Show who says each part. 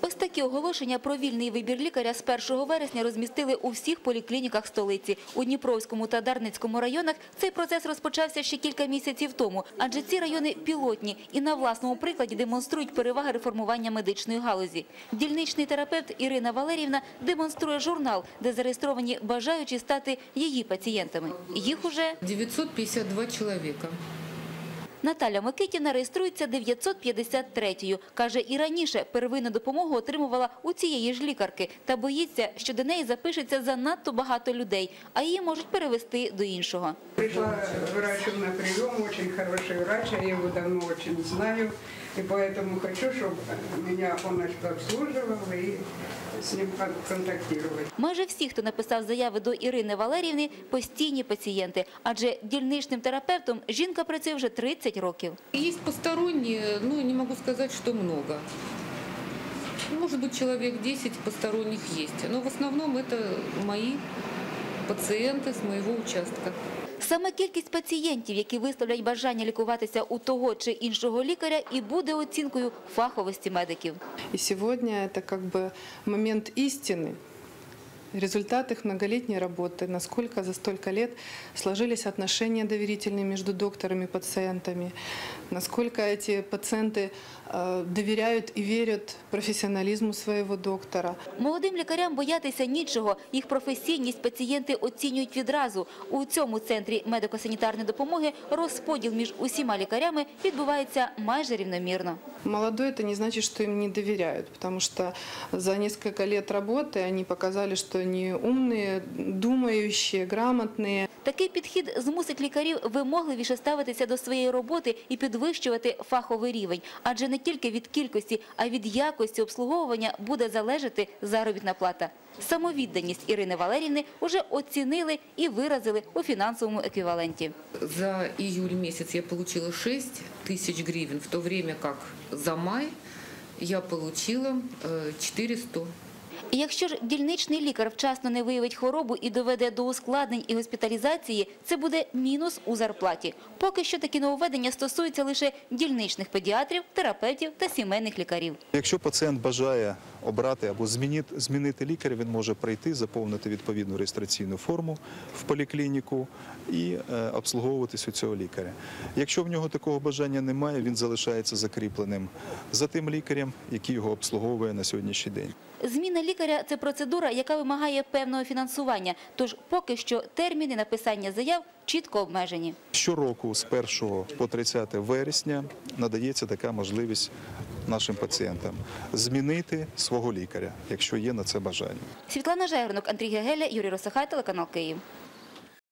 Speaker 1: Ось такі оголошення про вільний вибір лікаря з 1 вересня розмістили у всіх поліклініках столиці. У Дніпровському та Дарницькому районах цей процес розпочався ще кілька місяців тому, адже ці райони пілотні і на власному прикладі демонструють переваги реформування медичної галузі. Дільничний терапевт Ірина Валеріївна демонструє журнал, де зареєстровані бажаючі стати її пацієнтами. Їх уже
Speaker 2: 952 чоловіка.
Speaker 1: Наталя Микитівна реєструється 953-ю. Каже, і раніше первинну допомогу отримувала у цієї ж лікарки. Та боїться, що до неї запишеться занадто багато людей, а її можуть перевести до іншого.
Speaker 3: Пришла врачу на прийом, дуже хороший врач, я його давно дуже знаю. І тому хочу, щоб мене він обслуживав і з ним контактувати.
Speaker 1: Майже всі, хто написав заяви до Ірини Валеріївни, постійні пацієнти. Адже дільничним терапевтом жінка працює вже 30 років.
Speaker 2: Є посторонні, не можу сказати, що багато. Може бути, чоловік 10 посторонніх є. Але в основному це мої пацієнти з моєго участка.
Speaker 1: Саме кількість пацієнтів, які висловлять бажання лікуватися у того чи іншого лікаря, і буде оцінкою фаховості медиків.
Speaker 4: І сьогодні це момент істини. Результат их многолетней работы, насколько за столько лет сложились отношения доверительные между докторами и пациентами, насколько эти пациенты доверяют и верят профессионализму своего доктора.
Speaker 1: Молодим лікарям боятися нічого. Їх професійність пацієнти оцінюють відразу. У цьому центрі медико-санітарної допомоги розподіл між усіма лікарями відбувається майже рівномірно.
Speaker 4: Молодой – это не значит, что им не доверяют, потому что за несколько лет работы они показали, что они умные, думающие, грамотные.
Speaker 1: Такий підхід змусить лікарів вимогливіше ставитися до своєї роботи і підвищувати фаховий рівень. Адже не тільки від кількості, а від якості обслуговування буде залежати заробітна плата. Самовідданість Ірини Валеріївни вже оцінили і виразили у фінансовому еквіваленті.
Speaker 2: За июль месяц я получила 6 тысяч гривен, в то время как за май я получила 400.
Speaker 1: І якщо ж дільничний лікар вчасно не виявить хворобу і доведе до ускладнень і госпіталізації, це буде мінус у зарплаті. Поки що такі нововведення стосуються лише дільничних педіатрів, терапевтів та сімейних лікарів.
Speaker 5: Якщо пацієнт бажає обрати або змінити лікаря, він може прийти, заповнити відповідну реєстраційну форму в поліклініку і обслуговуватись у цього лікаря. Якщо в нього такого бажання немає, він залишається закріпленим за тим лікарем, який його обслуговує на сьогоднішній день.
Speaker 1: Зміна лікаря – це процедура, яка вимагає певного фінансування. Тож поки що терміни написання заяв чітко обмежені.
Speaker 5: Щороку з 1 по 30 вересня надається така можливість нашим пацієнтам змінити свого лікаря, якщо є на це бажання.
Speaker 1: Світлана Жайворонок, Андрій Гегеля, Юрій Росахай, телеканал Київ.